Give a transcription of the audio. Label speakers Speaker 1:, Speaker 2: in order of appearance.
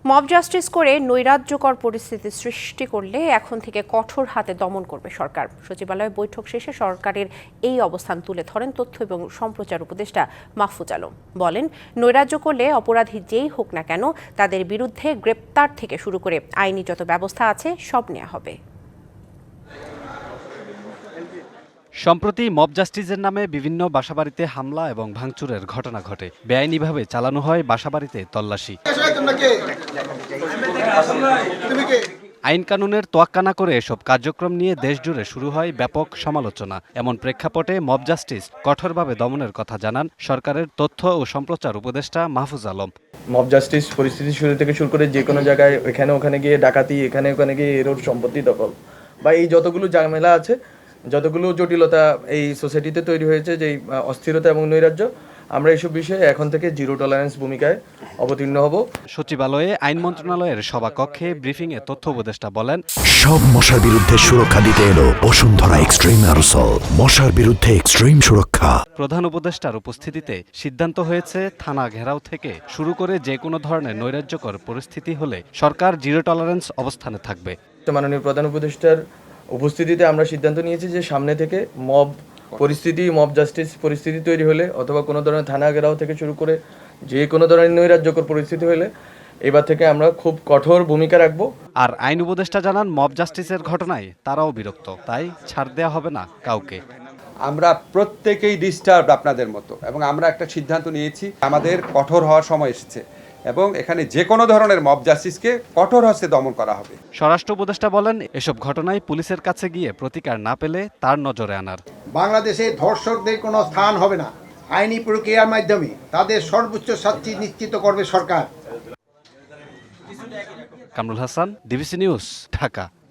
Speaker 1: Mob justice করে নৈরাজ্যকর পরিস্থিতি সৃষ্টি করলে এখন থেকে কঠোর হাতে দমন করবে সরকার। সচিবালয়ে বৈঠক শেষে সরকারের এই অবস্থান তুলে ধরেন তথ্য এবং সম্প্রচার উপদেষ্টা মাহফুজ আলম। বলেন, নৈরাজ্য করলে অপরাধী যেই হোক না কেন তাদের বিরুদ্ধে গ্রেপ্তার থেকে শুরু করে আইনি যত ব্যবস্থা আছে সব নেওয়া হবে।
Speaker 2: সম্প্রতি মব জাস্টিসের নামে বিভিন্ন বাসাবাড়িতে হামলা এবং ভাঙচুরের ঘটনা ঘটে। বেআইনিভাবে চালানো হয় বাসাবাড়িতে তল্লাশি। আইন কানুনের তোয়াক্কা না করে এসব কার্যক্রম নিয়ে দেশজুড়ে শুরু হয় ব্যাপক সমালোচনা। এমন প্রেক্ষাপটে মব জাস্টিস কঠোরভাবে দমনের কথা জানান সরকারের তথ্য ও সম্প্রচার উপদেষ্টা মাহফুজ আলম।
Speaker 3: মব জাস্টিস পরিস্থিতি শুরু থেকে শুরু করে যে কোনো জায়গায় এখানে ওখানে গিয়ে ডাকাতি, এখানে ওখানে গিয়ে এরোর সম্পত্তি দখল বা এই যতগুলো ঝামেলা আছে, যতগুলো জটিলতা এই সোসাইটিতে তৈরি হয়েছে, যে অস্থিরতা এবং নৈরাজ্য, আমরা এইসব বিষয়ে এখন থেকে জিরো টলারেন্স ভূমিকায় অবতীর্ণ হব।
Speaker 2: সচিবালয়ে আইন মন্ত্রণালয়ের সভাকক্ষে ব্রিফিংয়ে তথ্য উপদেষ্টা বলেন,
Speaker 4: সব মশার বিরুদ্ধে সুরক্ষা দিতে এলো বসুন্ধরা এক্সট্রিম অ্যারোসল, মশার বিরুদ্ধে এক্সট্রিম সুরক্ষা।
Speaker 2: প্রধান উপদেষ্টার উপস্থিতিতে সিদ্ধান্ত হয়েছে থানা ঘেরাও থেকে শুরু করে যে কোনো ধরনের নৈরাজ্যকর পরিস্থিতি হলে সরকার জিরো টলারেন্স অবস্থানে থাকবে।
Speaker 3: মাননীয় প্রধান উপদেষ্টার উপস্থিতিতে আমরা সিদ্ধান্ত নিয়েছি যে সামনে থেকে মব জাস্টিস পরিস্থিতি তৈরি হলে অথবা কোনো ধরনের থানা ঘেরাও থেকে শুরু করে যে কোনো ধরনের নৈরাজ্যকর পরিস্থিতি হলে এবার থেকে আমরা খুব কঠোর ভূমিকা রাখবো।
Speaker 2: আর আইন উপদেষ্টা জানান, মব জাস্টিসের ঘটনায় তারাও বিরক্ত, তাই ছাড় দেওয়া হবে না কাউকে।
Speaker 5: আমরা প্রত্যেকেই ডিস্টার্ব আপনাদের মতো, এবং আমরা একটা সিদ্ধান্ত নিয়েছি, আমাদের কঠোর হওয়ার সময় এসেছে এবং এখানে যে কোনো ধরনের মব জাস্টিসকে কঠোর হস্তে দমন করা হবে।
Speaker 2: স্বরাষ্ট্র উপদেষ্টা বলেন, এসব ঘটনায় পুলিশের কাছে গিয়ে প্রতিকার না পেলে তার নজরে আনার।
Speaker 6: বাংলাদেশে ধর্ষকদের কোনো স্থান হবে না। আইনি প্রক্রিয়ার মাধ্যমে তাদের সর্বোচ্চ শাস্তি নিশ্চিত করবে সরকার।
Speaker 2: Kamrul Hasan, DBC news, Dhaka.